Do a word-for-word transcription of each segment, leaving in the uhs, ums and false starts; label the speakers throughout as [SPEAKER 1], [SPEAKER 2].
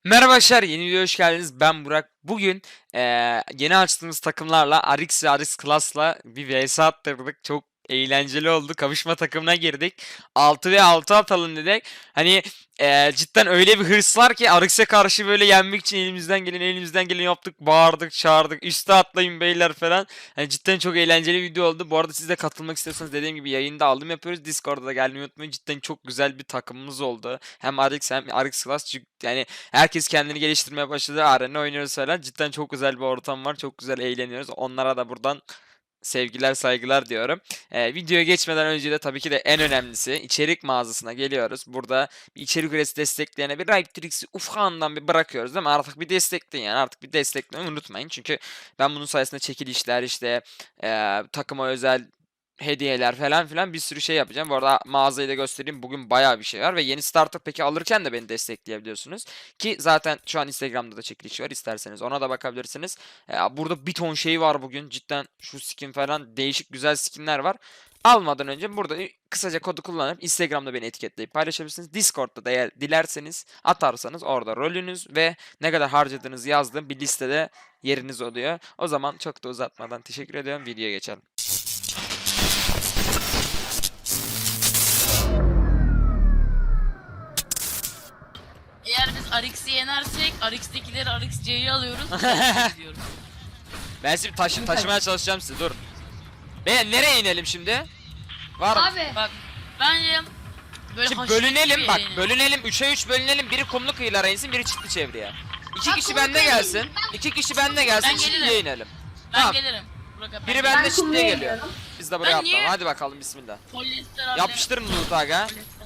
[SPEAKER 1] Merhaba arkadaşlar, yeni videoya hoş geldiniz. Ben Burak. Bugün eee, yeni açtığımız takımlarla Arix ve Arix Class'la bir vs attırdık. Çok eğlenceli oldu. Kavuşma takımına girdik. altı ve altı atalım dedik. Hani eee, cidden öyle bir hırs var ki Arix'e karşı böyle yenmek için elimizden gelen elimizden geleni yaptık. Bağırdık, çağırdık. Üste atlayın beyler falan. Hani cidden çok eğlenceli bir video oldu. Bu arada siz de katılmak istiyorsanız dediğim gibi yayında aldım yapıyoruz. Discord'da da gelmeyi unutmayın. Cidden çok güzel bir takımımız oldu. Hem Arix hem Arix Class. Çünkü yani herkes kendini geliştirmeye başladı. Arena oynuyoruz falan. Cidden çok güzel bir ortam var. Çok güzel eğleniyoruz. Onlara da buradan sevgiler saygılar diyorum. Ee, videoya geçmeden önce de tabii ki de en önemlisi içerik mağazasına geliyoruz. Burada bir içerik üretisi destekleyene bir Riptrix'i ufağından bir bırakıyoruz değil mi? Artık bir destekleyin yani. Artık bir desteklemeyi unutmayın. Çünkü ben bunun sayesinde çekilişler işte e, takıma özel hediyeler falan filan bir sürü şey yapacağım. Bu arada mağazayı da göstereyim. Bugün bayağı bir şey var ve yeni starter peki alırken de beni destekleyebiliyorsunuz. Ki zaten şu an Instagram'da da çekiliş var. İsterseniz ona da bakabilirsiniz. Ee, burada bir ton şey var bugün. Cidden şu skin falan değişik güzel skinler var. Almadan önce burada kısaca kodu kullanıp Instagram'da beni etiketleyip paylaşabilirsiniz. Discord'da da eğer dilerseniz atarsanız orada rolünüz ve ne kadar harcadığınızı yazdığım bir listede yeriniz oluyor. O zaman çok da uzatmadan teşekkür ediyorum. Videoya geçelim.
[SPEAKER 2] Eğer biz Arix'i yenersek Arix'tekileri Arix C'yi alıyoruz. diyoruz.
[SPEAKER 1] Ben şimdi taşı taşımaya çalışacağım sizi dur. Be nereye inelim şimdi? Var mı?
[SPEAKER 3] Abi
[SPEAKER 2] Bak bence böyle
[SPEAKER 1] Şimdi
[SPEAKER 2] haşmetli
[SPEAKER 1] bölünelim
[SPEAKER 2] bir
[SPEAKER 1] bak
[SPEAKER 2] yere inelim.
[SPEAKER 1] bölünelim üçe üç bölünelim biri kumlu kıyılara insin biri çitli çevreye. İki
[SPEAKER 3] Ben
[SPEAKER 1] kişi
[SPEAKER 3] kumlu
[SPEAKER 1] bende
[SPEAKER 3] kıyıya
[SPEAKER 1] gelsin.
[SPEAKER 3] ineyim.
[SPEAKER 1] iki kişi bende gelsin
[SPEAKER 2] Ben
[SPEAKER 1] çitliye
[SPEAKER 2] gelirim.
[SPEAKER 1] inelim.
[SPEAKER 2] Ben
[SPEAKER 1] Tamam.
[SPEAKER 2] gelirim. Burak abi,
[SPEAKER 1] Biri
[SPEAKER 2] ben
[SPEAKER 1] bende
[SPEAKER 3] Ben
[SPEAKER 1] çitliye
[SPEAKER 3] kumluya
[SPEAKER 1] geliyor.
[SPEAKER 3] iniyorum.
[SPEAKER 1] Biz de buraya
[SPEAKER 2] Ben
[SPEAKER 1] atlayalım.
[SPEAKER 2] niye-
[SPEAKER 1] Hadi bakalım bismillah.
[SPEAKER 2] polyester abi.
[SPEAKER 1] Yapıştırın loot aga.
[SPEAKER 2] Polyester.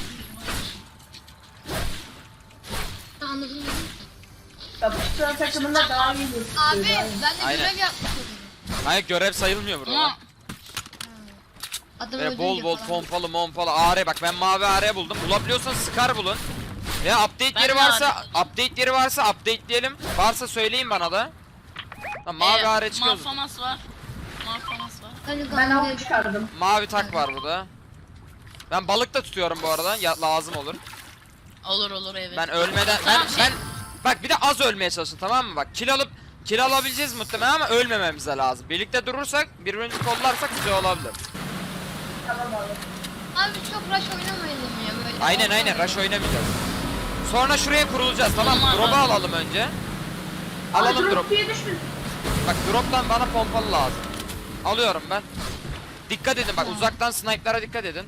[SPEAKER 3] anladım.
[SPEAKER 4] Yapıştıran takımında daha iyi gözüküyor.
[SPEAKER 3] Abi ben de
[SPEAKER 1] Aynen.
[SPEAKER 3] görev yapmışım.
[SPEAKER 1] Hayır görev sayılmıyor burada.
[SPEAKER 2] Ama
[SPEAKER 3] Adam
[SPEAKER 1] Böyle
[SPEAKER 3] öldürünce
[SPEAKER 1] bol bol
[SPEAKER 3] falan.
[SPEAKER 1] pompalı mompalı A R bak ben mavi A R buldum. Bulabiliyorsan Scar bulun. Ya update
[SPEAKER 2] Ben
[SPEAKER 1] yeri
[SPEAKER 2] de
[SPEAKER 1] varsa
[SPEAKER 2] A R
[SPEAKER 1] update yeri varsa updateleyelim. Varsa söyleyin bana da. Ha, mavi
[SPEAKER 2] e,
[SPEAKER 1] A R çıkıyor.
[SPEAKER 2] Malfamas var. Malfamas var.
[SPEAKER 3] Hani
[SPEAKER 4] Ben
[SPEAKER 3] kanka
[SPEAKER 4] av çıkardım.
[SPEAKER 1] Mavi tak var burada. Ben balık da tutuyorum bu arada. Ya, lazım olur.
[SPEAKER 2] Olur olur evet.
[SPEAKER 1] Ben ölmeden ben
[SPEAKER 2] Tamam, şey-
[SPEAKER 1] ben bak bir de az ölmeye çalışın tamam mı? Bak kill alıp kill alabileceğiz muhtemelen ama ölmememiz de lazım. Birlikte durursak birbirimizi kollarsak güzel olabilir.
[SPEAKER 4] Tamam abi.
[SPEAKER 3] Abi çok rush oynamayalım ya böyle.
[SPEAKER 1] Aynen aynen rush oynamayacağız. Sonra şuraya kurulacağız tamam mı?
[SPEAKER 2] Tamam,
[SPEAKER 1] Drop'u
[SPEAKER 2] abi.
[SPEAKER 1] alalım önce.
[SPEAKER 4] Ay,
[SPEAKER 1] Alalım
[SPEAKER 4] drop
[SPEAKER 1] drop.
[SPEAKER 4] diye düşmüş.
[SPEAKER 1] Bak drop'tan bana pompalı lazım. Alıyorum ben. Dikkat edin bak uzaktan sniper'lara dikkat edin.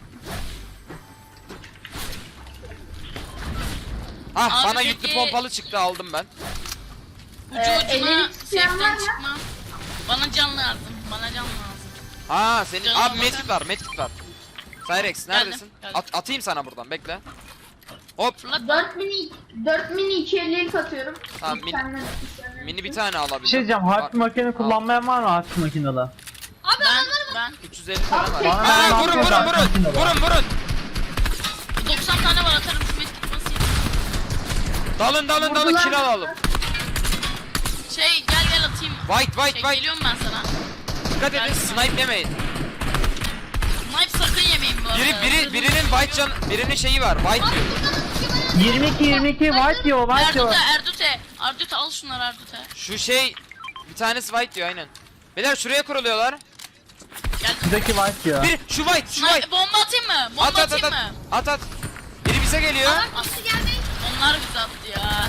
[SPEAKER 1] Ah
[SPEAKER 2] Abi
[SPEAKER 1] bana
[SPEAKER 2] peki-
[SPEAKER 1] yüklü pompalı çıktı aldım ben.
[SPEAKER 2] Ucu
[SPEAKER 4] Ee,
[SPEAKER 2] ucuna
[SPEAKER 4] ellilik isteyen var
[SPEAKER 2] safe'den
[SPEAKER 4] mı?
[SPEAKER 2] çıkma. Bana can lazım. Bana can lazım.
[SPEAKER 1] Ha senin
[SPEAKER 2] Canım
[SPEAKER 1] abi
[SPEAKER 2] bakar.
[SPEAKER 1] medkit var medkit var. Cyrex neredesin?
[SPEAKER 2] geldim.
[SPEAKER 1] At, atayım sana buradan bekle. Hop
[SPEAKER 2] Fırlat.
[SPEAKER 4] dört mini dört mini iki ellilik atıyorum.
[SPEAKER 1] Tamam,
[SPEAKER 4] Bir
[SPEAKER 1] mini-
[SPEAKER 4] tane- bir tane-
[SPEAKER 1] mini bir tane alabilirim.
[SPEAKER 5] Bir şey diyeceğim,
[SPEAKER 1] Var.
[SPEAKER 5] harf makine kullanmayan var mı harf makineli?
[SPEAKER 3] Abi
[SPEAKER 2] Ben ben
[SPEAKER 1] üç yüz elli tane var.
[SPEAKER 4] Bana
[SPEAKER 1] Ha,
[SPEAKER 5] ben
[SPEAKER 1] vurun vurun
[SPEAKER 5] atacağım,
[SPEAKER 1] vurun.
[SPEAKER 5] şimdi var.
[SPEAKER 1] Vurun vurun.
[SPEAKER 2] doksan tane var atarım şu medkit basayım.
[SPEAKER 1] Dalın dalın dalın
[SPEAKER 4] Vurdular.
[SPEAKER 1] kill alalım.
[SPEAKER 2] Şey gel gel atayım.
[SPEAKER 1] White white
[SPEAKER 2] Şey,
[SPEAKER 1] white.
[SPEAKER 2] geliyorum ben sana.
[SPEAKER 1] Dikkat edin
[SPEAKER 2] Geldim.
[SPEAKER 1] snipe yemeyin.
[SPEAKER 2] Snipe sakın yemeyin bu arada.
[SPEAKER 1] Biri biri birinin white can birinin şeyi var. White diyor.
[SPEAKER 5] yirmi iki yirmi iki white diyor, white diyor.
[SPEAKER 2] Erdute Erdute. Erdute al şunları Erdute.
[SPEAKER 1] Şu şey bir tanesi white diyor aynen. Beyler şuraya kuruluyorlar.
[SPEAKER 2] Geldim.
[SPEAKER 5] Şuradaki white diyor.
[SPEAKER 1] Bir şu white şu
[SPEAKER 2] Snipe,
[SPEAKER 1] white.
[SPEAKER 2] bomba atayım mı? Bomba
[SPEAKER 1] At at at
[SPEAKER 2] atayım
[SPEAKER 1] at.
[SPEAKER 2] mı?
[SPEAKER 1] At at. Biri bize geliyor.
[SPEAKER 3] Nasıl geldi?
[SPEAKER 2] Onlar bizi attı ya.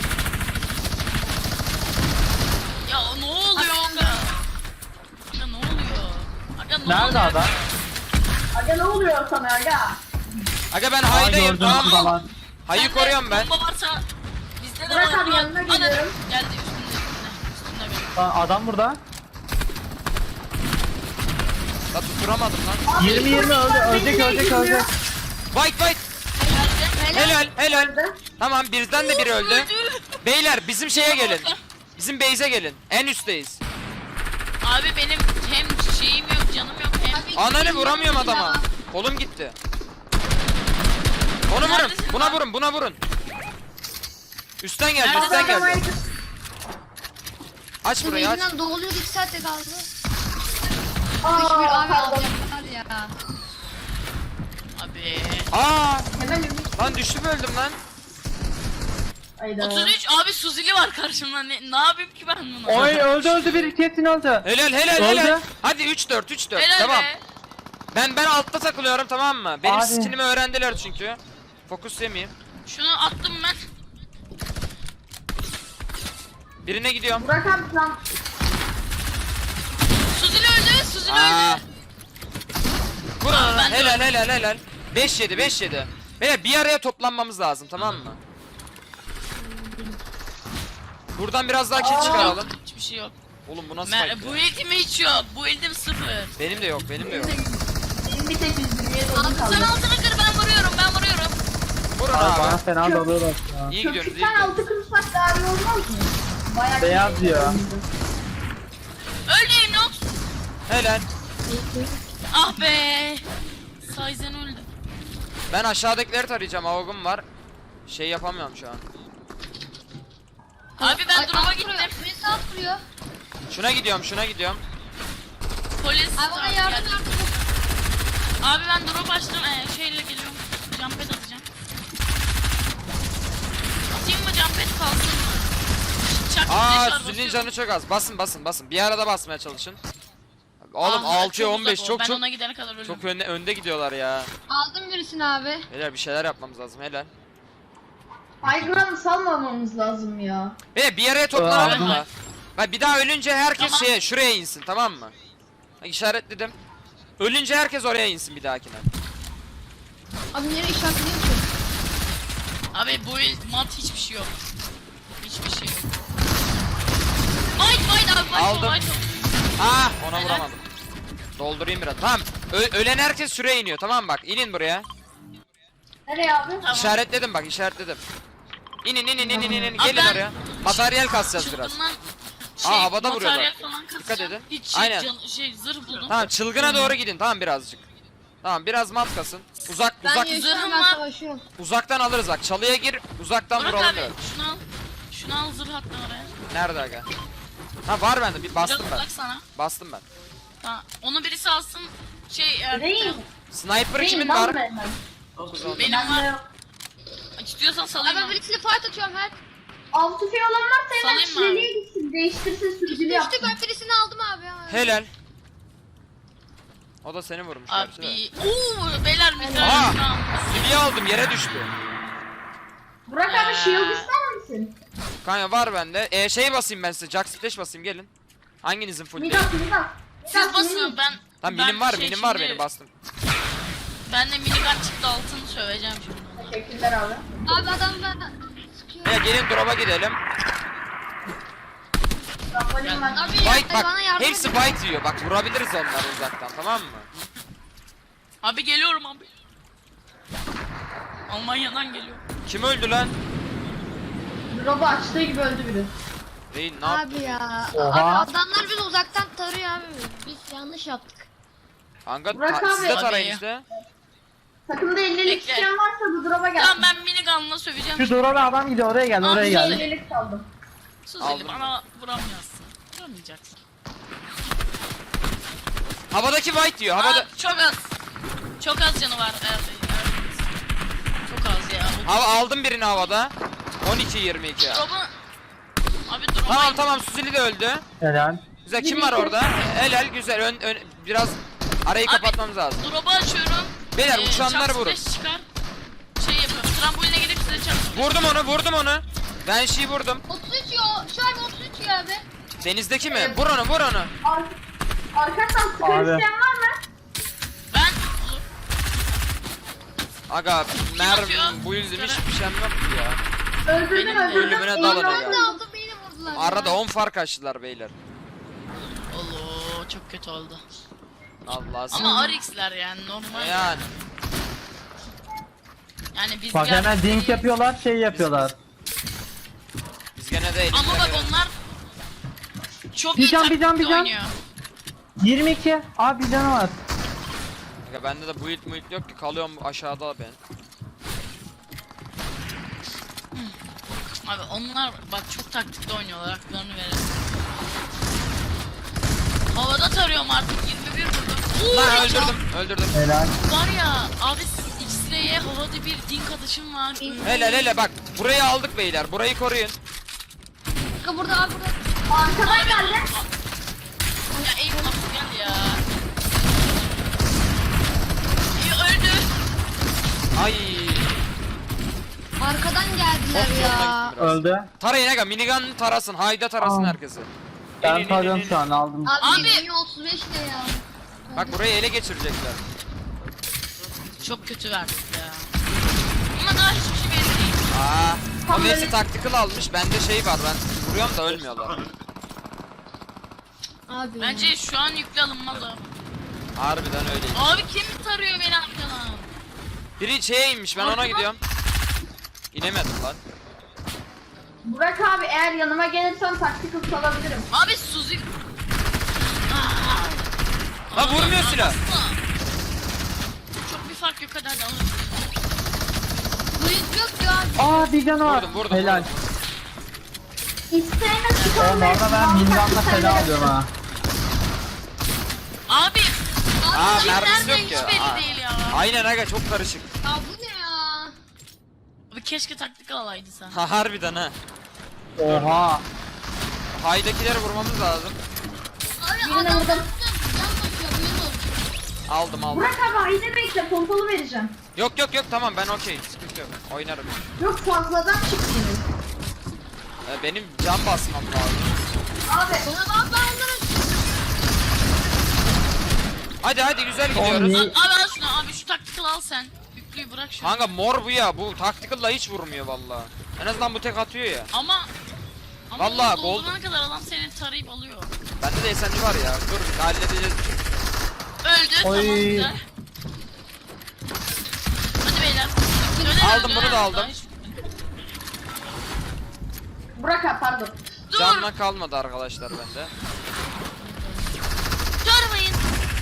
[SPEAKER 2] Ya ne oluyor aga? Aga ne oluyor? Aga ne
[SPEAKER 5] Nerede
[SPEAKER 2] oluyor?
[SPEAKER 5] adam?
[SPEAKER 4] Aga ne oluyor sana aga?
[SPEAKER 1] Aga ben
[SPEAKER 5] Aa,
[SPEAKER 1] haydayım
[SPEAKER 5] gördüm
[SPEAKER 1] tamam mı?
[SPEAKER 5] şurada var.
[SPEAKER 1] Hayı
[SPEAKER 2] Sende
[SPEAKER 1] koruyorum ben.
[SPEAKER 2] Bomba varsa bizde de
[SPEAKER 4] Burak
[SPEAKER 2] var.
[SPEAKER 4] abi
[SPEAKER 2] Burak,
[SPEAKER 4] yanına
[SPEAKER 2] hadi.
[SPEAKER 4] geliyorum.
[SPEAKER 2] Geldi üstünde üstünde. Üstünde benim.
[SPEAKER 5] Lan adam burada.
[SPEAKER 1] La tutturamadım lan.
[SPEAKER 4] Abi,
[SPEAKER 5] yirmi yirmi öldü,
[SPEAKER 4] beni
[SPEAKER 5] ölecek
[SPEAKER 4] niye
[SPEAKER 5] ölecek
[SPEAKER 4] girmiyor?
[SPEAKER 5] ölecek.
[SPEAKER 1] White white.
[SPEAKER 2] Geldi.
[SPEAKER 1] Helal helal.
[SPEAKER 4] Nerede?
[SPEAKER 1] Tamam birden de biri öldü. Beyler bizim şeye gelin. Bizim base'e gelin. En üstteyiz.
[SPEAKER 2] Abi benim hem şeyim yok canım yok hem.
[SPEAKER 3] Abi,
[SPEAKER 1] Ananı vuramıyorum adama. Kolum gitti. Onu vurun.
[SPEAKER 2] Neredesin
[SPEAKER 1] Buna
[SPEAKER 2] lan?
[SPEAKER 1] vurun. Buna vurun. Üstten geldi.
[SPEAKER 2] Neredesin?
[SPEAKER 1] Üstten
[SPEAKER 4] Aga,
[SPEAKER 1] geldi. Aç
[SPEAKER 3] Bu
[SPEAKER 1] burayı aç.
[SPEAKER 3] yüzünden doğuluyor iki saatte kaldı. Hiçbir
[SPEAKER 4] Aa
[SPEAKER 3] abi
[SPEAKER 4] pardon.
[SPEAKER 3] alacaklar ya.
[SPEAKER 2] Abi.
[SPEAKER 1] Aa
[SPEAKER 4] Hemen ümit.
[SPEAKER 1] lan düştüm öldüm lan.
[SPEAKER 4] Hayda.
[SPEAKER 2] otuz üç abi Suzili var karşımda. Ne, ne yapayım ki ben bunu?
[SPEAKER 5] Oy öldü öldü bir kesin öldü.
[SPEAKER 1] Helal helal
[SPEAKER 5] Öldü.
[SPEAKER 1] helal. Hadi üç dört üç dört.
[SPEAKER 2] Helal
[SPEAKER 1] Devam.
[SPEAKER 2] be.
[SPEAKER 1] Ben ben altta takılıyorum, tamam mı? Benim
[SPEAKER 5] Abi.
[SPEAKER 1] skinimi öğrendiler çünkü. Fokus yemeyeyim.
[SPEAKER 2] Şunu attım ben.
[SPEAKER 1] Birine gidiyorum.
[SPEAKER 4] Burak abi sen
[SPEAKER 2] Suzili öldü. Suzili
[SPEAKER 1] Aa.
[SPEAKER 2] öldü.
[SPEAKER 1] Vur
[SPEAKER 2] Aa,
[SPEAKER 1] ona.
[SPEAKER 2] ben de
[SPEAKER 1] Helal
[SPEAKER 2] öldüm.
[SPEAKER 1] helal helal. beş yedi beş yedi. Beyler bir araya toplanmamız lazım, tamam mı? Buradan biraz daha kill çıkaralım.
[SPEAKER 2] Hiçbir şey yok.
[SPEAKER 1] Oğlum bu nasıl
[SPEAKER 2] Mer
[SPEAKER 1] fight
[SPEAKER 2] bu
[SPEAKER 1] ya?
[SPEAKER 2] eğitim hiç yok. Bu eğitim sıfır.
[SPEAKER 1] Benim de yok, benim de yok.
[SPEAKER 4] benim bir tek yüz yirmiye
[SPEAKER 2] Abi
[SPEAKER 4] dolu kaldı.
[SPEAKER 2] sen altına kır, ben vuruyorum ben vuruyorum.
[SPEAKER 1] Vurun
[SPEAKER 5] Abi bana
[SPEAKER 1] abi.
[SPEAKER 5] fena dalıyorlar ya.
[SPEAKER 1] İyi gidiyoruz, iyi
[SPEAKER 4] Köpükten
[SPEAKER 1] gidiyoruz.
[SPEAKER 4] altı kırsak daha iyi olmaz mı? Bayağı
[SPEAKER 5] Beyaz
[SPEAKER 4] iyi.
[SPEAKER 5] diyor.
[SPEAKER 2] Öldü Inox.
[SPEAKER 1] Helal.
[SPEAKER 2] Ah be. Sayzen öldü.
[SPEAKER 1] Ben aşağıdakileri tarayacağım, avogum var. Şey yapamıyorum şu an.
[SPEAKER 2] Abi ben drop'a gittim.
[SPEAKER 3] Birisi alt vuruyor.
[SPEAKER 1] Şuna gidiyorum, şuna gidiyorum.
[SPEAKER 2] Polis.
[SPEAKER 3] Abi bana
[SPEAKER 2] Tamam,
[SPEAKER 3] yardım
[SPEAKER 2] geldim.
[SPEAKER 3] yardım.
[SPEAKER 2] Abi ben drop açtım. Ee, şeyle geliyorum. Jumpet atacağım. Atayım mı jumpet kalsın mı? Çak
[SPEAKER 1] Aa,
[SPEAKER 2] flash var,
[SPEAKER 1] Zül'ün
[SPEAKER 2] basıyorum.
[SPEAKER 1] canı çok az. Basın basın basın. Bir arada basmaya çalışın. Oğlum
[SPEAKER 2] Ah,
[SPEAKER 1] altıya
[SPEAKER 2] çok
[SPEAKER 1] on beş
[SPEAKER 2] uzak o.
[SPEAKER 1] çok
[SPEAKER 2] Ben
[SPEAKER 1] çok
[SPEAKER 2] ona gidene kadar ölürüm.
[SPEAKER 1] çok önde önde gidiyorlar ya.
[SPEAKER 3] Aldım birisini abi.
[SPEAKER 1] Beyler bir şeyler yapmamız lazım, helal.
[SPEAKER 4] Aygran'ı salmamamız lazım ya.
[SPEAKER 1] Beyler bir araya toplanalım
[SPEAKER 2] Aa.
[SPEAKER 1] mı? Bak bir daha ölünce herkes
[SPEAKER 2] Tamam.
[SPEAKER 1] şeye şuraya insin, tamam mı? Bak işaretledim. Ölünce herkes oraya insin bir dahakine.
[SPEAKER 3] Abi nereye işaretleyeyim ki?
[SPEAKER 2] Abi bu il mat hiçbir şey yok. Hiçbir şey yok. Might might abi might
[SPEAKER 1] Aldım.
[SPEAKER 2] might.
[SPEAKER 1] Ah, ona
[SPEAKER 2] Helal.
[SPEAKER 1] vuramadım. Doldurayım biraz. Tamam. Ö- ölen herkes şuraya iniyor, tamam mı? Bak inin buraya.
[SPEAKER 4] Nereye abi?
[SPEAKER 2] Tamam.
[SPEAKER 1] İşaretledim bak, işaretledim. İnin inin inin inin inin.
[SPEAKER 2] Abi
[SPEAKER 1] Gelin
[SPEAKER 2] ben-
[SPEAKER 1] oraya. Materyal kasacağız biraz.
[SPEAKER 2] Çılgından
[SPEAKER 1] Aa, havada vuruyorlar.
[SPEAKER 2] materyal falan
[SPEAKER 1] Dikkat
[SPEAKER 2] kasacağım.
[SPEAKER 1] edin.
[SPEAKER 2] Hiç şey,
[SPEAKER 1] Aynen.
[SPEAKER 2] can, şey zırh buldum.
[SPEAKER 1] Tamam, çılgına doğru gidin, tamam birazcık. Tamam, biraz mat kasın. Uzak
[SPEAKER 3] Ben
[SPEAKER 1] uzak
[SPEAKER 3] yaşıyorum
[SPEAKER 2] zırhım
[SPEAKER 3] ben
[SPEAKER 2] var.
[SPEAKER 3] savaşıyorum.
[SPEAKER 1] uzaktan alırız bak. Çalıya gir, uzaktan
[SPEAKER 2] Burak
[SPEAKER 1] vuralım
[SPEAKER 2] abi
[SPEAKER 1] böyle.
[SPEAKER 2] şunu al. Şunu al zırh attın oraya.
[SPEAKER 1] Nerede aga? Ha var bende. Bir bastım
[SPEAKER 2] Biraz
[SPEAKER 1] ben.
[SPEAKER 2] uzak sana.
[SPEAKER 1] Bastım ben.
[SPEAKER 2] Tamam. Onu birisi alsın. Şey eğer
[SPEAKER 4] Değil.
[SPEAKER 1] Sniper
[SPEAKER 4] Değil
[SPEAKER 1] kimin
[SPEAKER 4] lan
[SPEAKER 1] var?
[SPEAKER 4] benden.
[SPEAKER 2] benim
[SPEAKER 4] Bende
[SPEAKER 2] var.
[SPEAKER 4] yok.
[SPEAKER 2] İstiyorsan
[SPEAKER 3] Abi
[SPEAKER 2] salayım
[SPEAKER 3] ben
[SPEAKER 2] onu.
[SPEAKER 3] birisiyle fight atıyorum her.
[SPEAKER 4] Altı fi olan varsa hemen
[SPEAKER 2] Salayım mı abi?
[SPEAKER 4] çileliğe gitsin. Değiştirsin sürücülü
[SPEAKER 3] Düştü
[SPEAKER 4] yapsın.
[SPEAKER 3] ben birisini aldım abi. ama.
[SPEAKER 1] Helal. O da seni vurmuş gerçi de.
[SPEAKER 2] Abi. Uuu beyler bir
[SPEAKER 1] Aa!
[SPEAKER 2] tane şunu al.
[SPEAKER 1] Siliye aldım, yere düştü.
[SPEAKER 4] Burak abi
[SPEAKER 2] Ya.
[SPEAKER 4] shield ister misin?
[SPEAKER 1] Kanka var bende. E şey basayım ben size. Jack Splash basayım, gelin. Hanginizin full değil?
[SPEAKER 4] Midas Midas.
[SPEAKER 2] Siz basın ben.
[SPEAKER 1] Tamam,
[SPEAKER 2] ben
[SPEAKER 1] minim var,
[SPEAKER 2] şey
[SPEAKER 1] minim var
[SPEAKER 2] şimdi-
[SPEAKER 1] benim, bastım.
[SPEAKER 2] Ben de minigun çıktı altını söveceğim şimdi ona.
[SPEAKER 4] Teşekkürler abi.
[SPEAKER 3] Abi adam ben sıkıyor.
[SPEAKER 1] Ya gelin drop'a gidelim.
[SPEAKER 4] Trambolin var.
[SPEAKER 3] Abi
[SPEAKER 1] Bite
[SPEAKER 3] bana
[SPEAKER 1] bak.
[SPEAKER 3] yardım
[SPEAKER 1] Hepsi
[SPEAKER 3] edin.
[SPEAKER 1] bite yiyor. Bak vurabiliriz onları uzaktan, tamam mı?
[SPEAKER 2] Abi geliyorum abi. Almanya'dan geliyor.
[SPEAKER 1] Kim öldü lan?
[SPEAKER 4] Drop'u açtığı gibi öldü biri.
[SPEAKER 1] Değil, ne yaptı?
[SPEAKER 3] Abi ya.
[SPEAKER 5] Oha.
[SPEAKER 3] Abi adamlar bizi uzaktan tarıyor abi. Biz yanlış yaptık.
[SPEAKER 1] Kanka
[SPEAKER 4] Burak
[SPEAKER 1] ta-
[SPEAKER 4] abi.
[SPEAKER 1] siz de tarayın
[SPEAKER 2] Abi.
[SPEAKER 1] işte.
[SPEAKER 4] Takımda ellilik
[SPEAKER 2] Bekle.
[SPEAKER 4] isteyen varsa bu drop'a gelsin.
[SPEAKER 2] Tamam ben minigun'la söveceğim.
[SPEAKER 5] Şu duvara adam gidiyor, oraya gel, oraya
[SPEAKER 2] Abi,
[SPEAKER 5] gel.
[SPEAKER 2] şey-
[SPEAKER 4] ellilik kaldım.
[SPEAKER 2] Sus
[SPEAKER 1] Aldım
[SPEAKER 2] Eli bana vuramıyorsun. Vuramayacaksın.
[SPEAKER 1] Havadaki white diyor. Havada
[SPEAKER 2] Aa, çok az. Çok az canı var. Evet, evet. Çok az ya. O
[SPEAKER 1] Hava aldım birini havada. on iki yirmi iki.
[SPEAKER 2] drop'u... Abi drop'u...
[SPEAKER 1] Tamam tamam, Suzili de öldü.
[SPEAKER 5] Helal.
[SPEAKER 1] Güzel, kim var orada? Helal, güzel. Ön, ön, biraz arayı
[SPEAKER 2] Abi,
[SPEAKER 1] kapatmamız lazım.
[SPEAKER 2] Drop'u açıyorum.
[SPEAKER 1] Beyler,
[SPEAKER 2] Ee,
[SPEAKER 1] uçanları
[SPEAKER 2] çarpı
[SPEAKER 1] vurun.
[SPEAKER 2] beş çıkar. Şey yapıyorum. Tramboline gidip size çarpı.
[SPEAKER 1] Vurdum onu, vurdum onu. Ben şey vurdum.
[SPEAKER 3] otuz üç yo. Şu an otuz üç ya abi.
[SPEAKER 1] Denizdeki mi? Vur onu, vur onu.
[SPEAKER 4] Ar Arkadaşlar sıkar
[SPEAKER 5] Abi.
[SPEAKER 4] isteyen var mı?
[SPEAKER 2] Ben...
[SPEAKER 1] Aga, mermi,
[SPEAKER 2] atıyor?
[SPEAKER 1] bu yüzden hiçbir şeyim yok ki ya.
[SPEAKER 4] Öldürdüm
[SPEAKER 2] Benim
[SPEAKER 4] öldürdüm.
[SPEAKER 1] ölümüne
[SPEAKER 4] Elini
[SPEAKER 1] dalın
[SPEAKER 4] aldım.
[SPEAKER 1] ya.
[SPEAKER 3] Ben de aldım beni vurdular. ya.
[SPEAKER 1] Arada on fark açtılar beyler.
[SPEAKER 2] Allah çok kötü oldu.
[SPEAKER 1] Allah
[SPEAKER 2] Ama R X'ler yani normal.
[SPEAKER 1] yani.
[SPEAKER 2] Yani biz
[SPEAKER 5] Bak hemen
[SPEAKER 2] gerçekten-
[SPEAKER 5] dink yapıyorlar, şey yapıyorlar.
[SPEAKER 1] Biz gene de
[SPEAKER 2] Ama bak
[SPEAKER 1] elimizde-
[SPEAKER 2] onlar çok
[SPEAKER 5] Bir
[SPEAKER 2] iyi
[SPEAKER 5] can, bir can,
[SPEAKER 2] taktikle
[SPEAKER 5] bir can.
[SPEAKER 2] oynuyor.
[SPEAKER 5] yirmi iki. Abi bir canı var.
[SPEAKER 1] Aga, bende de build muild yok ki, kalıyorum aşağıda ben.
[SPEAKER 2] Abi onlar bak çok taktikli oynuyorlar, haklarını verelim. Havada tarıyorum artık yirmi bir vurdum. Oo,
[SPEAKER 1] Lan
[SPEAKER 2] çok-
[SPEAKER 1] öldürdüm, öldürdüm.
[SPEAKER 5] Helal.
[SPEAKER 2] Var ya abi X-Ray'e havada bir dink atışım var.
[SPEAKER 1] Hele hele bak, Burayı aldık beyler. Burayı koruyun.
[SPEAKER 3] Kanka burada abi burada.
[SPEAKER 4] Arkadan geldi.
[SPEAKER 2] Ya Eyüp nasıl gel ya. Eyüp öldü.
[SPEAKER 1] Ay.
[SPEAKER 3] Arkadan geldiler
[SPEAKER 1] Çok
[SPEAKER 3] ya.
[SPEAKER 1] zoruna gitti biraz.
[SPEAKER 5] Öldü.
[SPEAKER 1] Tarayın aga, minigun tarasın. Hayda tarasın
[SPEAKER 5] Aa.
[SPEAKER 1] herkesi.
[SPEAKER 5] Ben tarıyorum şu an aldım.
[SPEAKER 3] Abi,
[SPEAKER 2] Abi.
[SPEAKER 3] abi. otuz beş ne ya?
[SPEAKER 1] Bak burayı ele geçirecekler.
[SPEAKER 2] Çok kötü verdik ya. Ama daha hiçbir şey belli değil.
[SPEAKER 1] Aa.
[SPEAKER 4] Tam
[SPEAKER 1] O neyse
[SPEAKER 4] böyle-
[SPEAKER 1] taktikal almış. Bende şey var, ben vuruyorum da ölmüyorlar.
[SPEAKER 3] Abi.
[SPEAKER 2] Bence şu an yükle alınmaz abi.
[SPEAKER 1] Harbiden öyle.
[SPEAKER 2] Abi kim tarıyor beni arkadan?
[SPEAKER 1] Biri şeye inmiş, ben ona gidiyorum. İnemedim lan.
[SPEAKER 4] Burak abi eğer yanıma gelirsen taktik hızlı alabilirim.
[SPEAKER 2] Abi Suzi...
[SPEAKER 1] Lan vurmuyor silah.
[SPEAKER 2] Çok bir fark yok, hadi hadi alın.
[SPEAKER 3] Bıyık yok ya.
[SPEAKER 5] Aa bir canı var.
[SPEAKER 1] Vurdum, vurdum,
[SPEAKER 5] Helal.
[SPEAKER 1] vurdum.
[SPEAKER 4] İsteyene
[SPEAKER 5] Oğlum
[SPEAKER 4] çıkalım.
[SPEAKER 5] orada ben minigunla feda alıyorum ha.
[SPEAKER 2] Abi!
[SPEAKER 1] Aa,
[SPEAKER 2] Abi
[SPEAKER 1] mermisi
[SPEAKER 2] nerede
[SPEAKER 1] yok
[SPEAKER 2] hiç
[SPEAKER 1] ya.
[SPEAKER 2] belli
[SPEAKER 1] Aa.
[SPEAKER 2] değil ya.
[SPEAKER 1] Aynen aga, çok karışık.
[SPEAKER 3] Ya bu ne ya?
[SPEAKER 2] Abi keşke taktik alaydı sen.
[SPEAKER 1] Ha harbiden ha.
[SPEAKER 5] Oha.
[SPEAKER 1] Haydakileri vurmamız lazım.
[SPEAKER 3] Abi
[SPEAKER 4] Birine
[SPEAKER 3] adam
[SPEAKER 4] vurdum.
[SPEAKER 3] can basıyor buyur olsun.
[SPEAKER 1] Aldım aldım.
[SPEAKER 4] Burak abi haydi bekle pompalı vereceğim.
[SPEAKER 1] Yok yok yok, tamam ben okey. Sıkıntı yok. Oynarım.
[SPEAKER 4] Yok fazladan çıktınız.
[SPEAKER 1] Ee, benim can basmam lazım.
[SPEAKER 4] Abi
[SPEAKER 3] Bana bak ben onları.
[SPEAKER 1] Hadi hadi, güzel
[SPEAKER 5] Oğlum
[SPEAKER 1] gidiyoruz.
[SPEAKER 5] niye-
[SPEAKER 2] Abi al şunu, abi şu taktikal al sen. Yüklüyü bırak şunu.
[SPEAKER 1] Kanka mor bu ya. Bu tactical'la hiç vurmuyor vallahi. En azından bu tek atıyor ya.
[SPEAKER 2] Ama... Ama
[SPEAKER 1] Vallahi
[SPEAKER 2] onu
[SPEAKER 1] gol-
[SPEAKER 2] doldurana kadar adam seni tarayıp alıyor.
[SPEAKER 1] Bende de S M G var ya. Dur halledeceğiz.
[SPEAKER 2] Öldü,
[SPEAKER 5] Oy.
[SPEAKER 2] tamam güzel. Hadi beyler. Dönelim,
[SPEAKER 1] Aldım, bunu
[SPEAKER 2] dönelim.
[SPEAKER 1] da aldım.
[SPEAKER 2] Daha hiç-
[SPEAKER 4] Burak abi pardon.
[SPEAKER 2] Dur!
[SPEAKER 1] Canla kalmadı arkadaşlar bende.
[SPEAKER 2] Durmayın!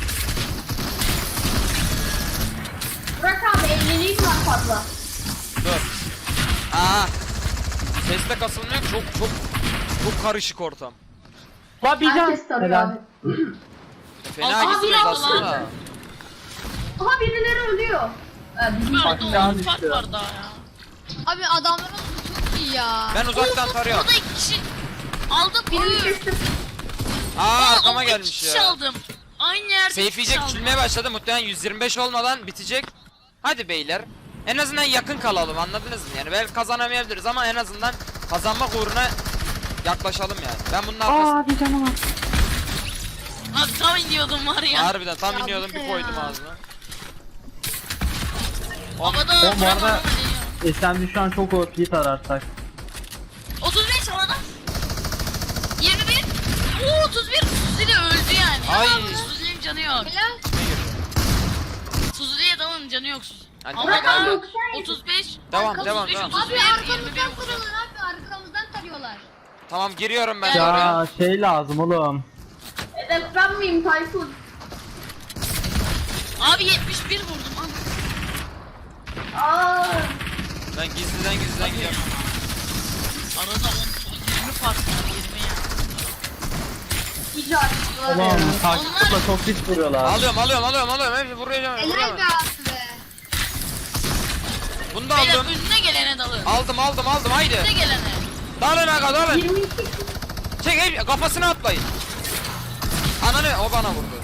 [SPEAKER 4] Burak abi elliliğim var fazla.
[SPEAKER 1] Dur. Aa. Sesle kasılmıyor. Çok çok çok karışık ortam.
[SPEAKER 5] La bir can.
[SPEAKER 4] Herkes tanıyor
[SPEAKER 5] Helal.
[SPEAKER 4] abi.
[SPEAKER 1] Fena
[SPEAKER 2] Aa,
[SPEAKER 1] gidiyoruz
[SPEAKER 2] biraz
[SPEAKER 1] aslında.
[SPEAKER 2] lan.
[SPEAKER 4] Aha birileri ölüyor. Ee, bizim
[SPEAKER 2] Böyle
[SPEAKER 5] Bak,
[SPEAKER 2] de
[SPEAKER 5] can
[SPEAKER 2] on fark
[SPEAKER 5] düştü.
[SPEAKER 2] var daha ya.
[SPEAKER 3] Abi adamların çok iyi ya.
[SPEAKER 1] Ben uzaktan tarıyorum.
[SPEAKER 2] Burada iki kişi aldım.
[SPEAKER 4] birini
[SPEAKER 2] Oy.
[SPEAKER 4] kestim.
[SPEAKER 1] Aa,
[SPEAKER 2] Aa,
[SPEAKER 1] arkama
[SPEAKER 2] o iki
[SPEAKER 1] gelmiş
[SPEAKER 2] kişi
[SPEAKER 1] ya.
[SPEAKER 2] aldım. Aynı yerde
[SPEAKER 1] Safe
[SPEAKER 2] iki kişi
[SPEAKER 1] yiyecek,
[SPEAKER 2] aldım.
[SPEAKER 1] küçülmeye başladı. Muhtemelen yüz yirmi beş olmadan bitecek. Hadi beyler. En azından yakın kalalım, anladınız mı? Yani belki kazanamayabiliriz ama en azından kazanmak uğruna yaklaşalım yani. Ben bunun arkasında
[SPEAKER 5] Aa bir canı var.
[SPEAKER 2] Abi tam iniyordum var ya.
[SPEAKER 1] harbiden tam
[SPEAKER 3] Ya
[SPEAKER 1] iniyordum,
[SPEAKER 3] bu
[SPEAKER 1] bir
[SPEAKER 3] ne
[SPEAKER 1] koydum
[SPEAKER 3] ya?
[SPEAKER 1] ağzına.
[SPEAKER 2] Havada
[SPEAKER 5] Oğlum bu
[SPEAKER 2] vuramadım
[SPEAKER 5] arada-
[SPEAKER 2] ama değiyor.
[SPEAKER 5] S M D şu an çok O P tararsak.
[SPEAKER 2] otuz beş havada. yirmi bir. Oo otuz bir. Suzi'de öldü yani.
[SPEAKER 1] Ay.
[SPEAKER 2] Ama Suzi'nin canı yok.
[SPEAKER 3] Helal.
[SPEAKER 2] Suzi'ye dalın canı yok.
[SPEAKER 1] Hadi
[SPEAKER 2] Havada
[SPEAKER 1] bakalım.
[SPEAKER 2] otuz beş.
[SPEAKER 1] Devam,
[SPEAKER 2] otuz
[SPEAKER 1] devam,
[SPEAKER 2] beş,
[SPEAKER 1] devam.
[SPEAKER 2] otuz
[SPEAKER 3] Abi
[SPEAKER 2] bir, yirmi bir
[SPEAKER 3] arkamızdan
[SPEAKER 2] vuracak.
[SPEAKER 3] tarıyorlar abi arkamızdan tarıyorlar.
[SPEAKER 1] Tamam, giriyorum ben de oraya.
[SPEAKER 5] Ya şey lazım oğlum.
[SPEAKER 4] Hedef ben miyim Tayfun?
[SPEAKER 2] Abi yetmiş bir vurdum. Abi.
[SPEAKER 4] Aa,
[SPEAKER 1] Ben gizliden gizliden gidiyorum.
[SPEAKER 2] Arada on, yirmi fark var. yirmi ya.
[SPEAKER 4] iyice açtılar
[SPEAKER 5] Ulan
[SPEAKER 4] ya.
[SPEAKER 5] taktikle çok pis vuruyorlar.
[SPEAKER 1] Alıyorum alıyorum alıyorum alıyorum. Hepsi vuruyorum.
[SPEAKER 3] Helal
[SPEAKER 1] vuruyorum.
[SPEAKER 3] be abi be.
[SPEAKER 1] Bunu da
[SPEAKER 2] Beyler
[SPEAKER 1] aldım.
[SPEAKER 2] önüne gelene dalın.
[SPEAKER 1] Aldım aldım aldım, haydi.
[SPEAKER 2] Önüne gelene.
[SPEAKER 1] Dalın aga dalın.
[SPEAKER 4] yirmi iki.
[SPEAKER 1] Çek hep kafasına atlayın. Ananı, o bana vurdu.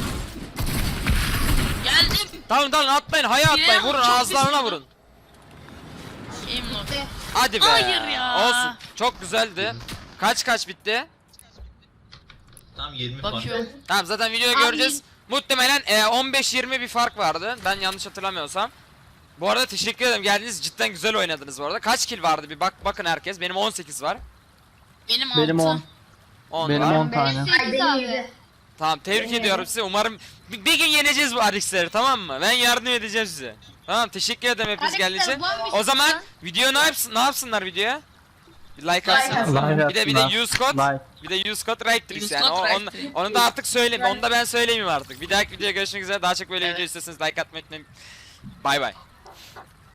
[SPEAKER 2] Geldim.
[SPEAKER 1] Dalın dalın atlayın, haya atlayın,
[SPEAKER 2] Birine
[SPEAKER 1] vurun
[SPEAKER 2] çok
[SPEAKER 1] ağızlarına
[SPEAKER 2] pis
[SPEAKER 1] vurun.
[SPEAKER 2] Emlok.
[SPEAKER 1] Hadi be.
[SPEAKER 2] Hayır ya.
[SPEAKER 1] Olsun. Çok güzeldi. Kaç kaç bitti?
[SPEAKER 6] Tam yirmi fark.
[SPEAKER 2] Bakıyorum.
[SPEAKER 1] Tamam, zaten videoyu
[SPEAKER 3] Abi-
[SPEAKER 1] göreceğiz. Muhtemelen e, on beş yirmi bir fark vardı. Ben yanlış hatırlamıyorsam. Bu arada teşekkür ederim. Geldiniz, cidden güzel oynadınız bu arada. Kaç kill vardı bir bak bakın herkes. Benim on sekiz var.
[SPEAKER 2] Benim altı.
[SPEAKER 5] Benim on.
[SPEAKER 1] on
[SPEAKER 5] Benim
[SPEAKER 1] var.
[SPEAKER 5] on tane.
[SPEAKER 3] Benim
[SPEAKER 4] Ay
[SPEAKER 3] sekiz
[SPEAKER 4] benim
[SPEAKER 3] abi.
[SPEAKER 4] yedi.
[SPEAKER 1] Tamam, tebrik ediyorum sizi. Umarım bir, bir gün yeneceğiz bu Arix'leri, tamam mı? Ben yardım edeceğim size. Tamam, teşekkür ederim hepiniz
[SPEAKER 3] Arix'ler
[SPEAKER 1] geldiğiniz için.
[SPEAKER 3] ulan bir
[SPEAKER 1] O
[SPEAKER 3] şey
[SPEAKER 1] zaman
[SPEAKER 3] lan.
[SPEAKER 1] video ne yapsın ne yapsınlar videoya? Bir like
[SPEAKER 4] Like
[SPEAKER 1] atsınlar.
[SPEAKER 4] atsınlar.
[SPEAKER 5] Like
[SPEAKER 1] Bir de bir de
[SPEAKER 5] atsınlar.
[SPEAKER 1] use code.
[SPEAKER 5] Like.
[SPEAKER 1] Bir de use code Righttrix
[SPEAKER 2] Use
[SPEAKER 1] yani.
[SPEAKER 2] code
[SPEAKER 1] O, onu,
[SPEAKER 2] Righttrix.
[SPEAKER 1] onu da artık söyleyeyim. Onu da ben söyleyeyim artık. Bir dahaki videoya görüşmek üzere. Daha çok böyle
[SPEAKER 2] Evet.
[SPEAKER 1] video istiyorsanız like atmayı unutmayın. Bay bay.